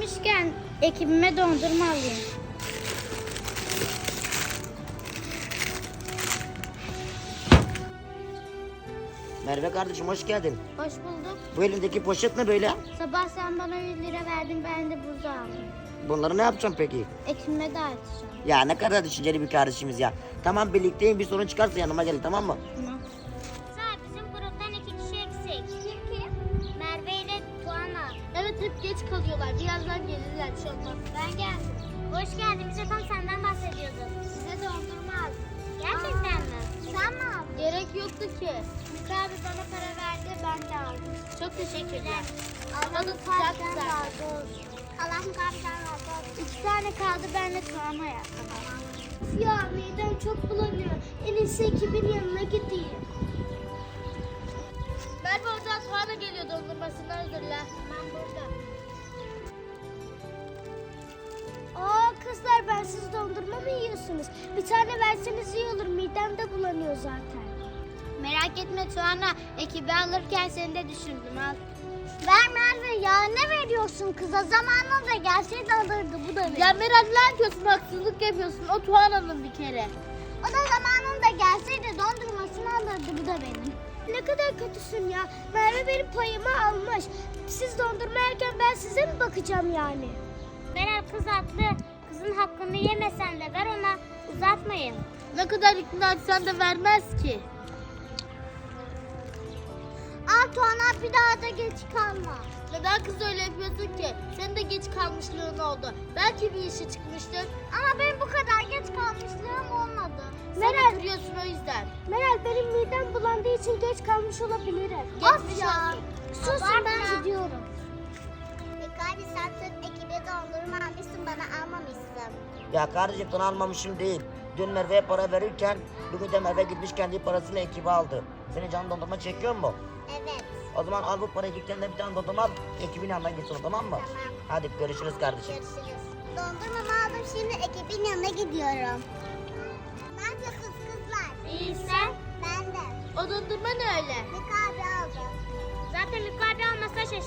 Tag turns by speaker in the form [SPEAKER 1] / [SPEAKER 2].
[SPEAKER 1] gelmişken ekibime dondurma alayım.
[SPEAKER 2] Merve kardeşim hoş geldin.
[SPEAKER 1] Hoş bulduk.
[SPEAKER 2] Bu elindeki poşet ne böyle?
[SPEAKER 1] Sabah sen bana 100 lira verdin, ben de buzu aldım.
[SPEAKER 2] Bunları ne yapacağım peki?
[SPEAKER 1] Ekibime dağıtacağım.
[SPEAKER 2] Ya ne kadar düşünceli bir kardeşimiz ya. Tamam birlikteyim, bir sorun çıkarsa yanıma gelin, tamam mı?
[SPEAKER 1] Tamam.
[SPEAKER 3] Bizim gruptan 2 kişi eksik. Kim? Merve ile Tuana.
[SPEAKER 1] Evet, hep geç kalıyorlar. Birazdan gelirler. Şu an.
[SPEAKER 3] Ben geldim. Hoş geldin. Bize tam senden bahsediyorduk.
[SPEAKER 1] Size dondurma aldım.
[SPEAKER 3] Gerçekten mi? Sen mi aldın?
[SPEAKER 1] Gerek yoktu ki.
[SPEAKER 3] Mika abi bana para verdi, ben de aldım.
[SPEAKER 1] Çok teşekkürler.
[SPEAKER 3] Allah
[SPEAKER 1] da sıcak güzel.
[SPEAKER 3] Allah mukabilden razı olsun.
[SPEAKER 1] 2 tane kaldı, ben de Tuana yaptım.
[SPEAKER 3] Ya midem çok bulanıyor. En iyisi ekibin yanına gideyim.
[SPEAKER 1] Merve oradan Tuana geliyor, dondurmasını hazırla.
[SPEAKER 3] Ben burada.
[SPEAKER 1] Aa kızlar, ben siz dondurma mı yiyorsunuz? Bir tane verseniz iyi olur, midem de bulanıyor zaten. Merak etme Tuana, ekibi alırken seni de düşündüm, al.
[SPEAKER 3] Ver Merve ya, ne veriyorsun kıza? Zamanında gelseydi alırdı, bu da benim.
[SPEAKER 1] Ya Meral, ne yapıyorsun, haksızlık yapıyorsun, o Tuana'nın bir kere.
[SPEAKER 3] O da zamanında gelseydi dondurmasını alırdı, bu da benim.
[SPEAKER 1] Ne kadar kötüsün ya, Merve benim payımı almış. Siz dondurma yerken ben size mi bakacağım yani?
[SPEAKER 3] Meral kız haklı. Kızın hakkını yemesen de ver ona, uzatmayın.
[SPEAKER 1] Ne kadar ikna etsen de vermez ki.
[SPEAKER 3] Al Tuana, bir daha da geç kalma.
[SPEAKER 1] Neden kız öyle yapıyorsun ki? Senin de geç kalmışlığın oldu. Belki bir işi çıkmıştır.
[SPEAKER 3] Ama benim bu kadar geç kalmışlığım olmadı.
[SPEAKER 1] Meral, kırıyorsun o yüzden.
[SPEAKER 3] Meral, benim midem bulandığı için geç kalmış olabilirim.
[SPEAKER 1] Geçmiş
[SPEAKER 3] ya.
[SPEAKER 1] olsun.
[SPEAKER 3] Susun, ben gidiyorum. Mikabi, sen sırf ekibe dondurma almışsın, bana almamışsın.
[SPEAKER 2] Ya kardeşim sana almamışım değil. Dün Merve'ye para verirken bugün de Merve gitmiş kendi parasıyla ekibi aldı. Senin canın dondurma çekiyor mu?
[SPEAKER 3] Evet.
[SPEAKER 2] O zaman al bu parayı, dükkanında bir tane dondurma al. Ekibin yanına git sonra, tamam mı?
[SPEAKER 3] Tamam.
[SPEAKER 2] Hadi görüşürüz kardeşim.
[SPEAKER 3] Görüşürüz. Dondurmamı aldım, şimdi ekibin yanına gidiyorum. Ne yapıyorsunuz kızlar?
[SPEAKER 1] İyi, sen?
[SPEAKER 3] Ben de.
[SPEAKER 1] O dondurma ne öyle?
[SPEAKER 3] Mikabi aldı.
[SPEAKER 1] Zaten Mikabi almasa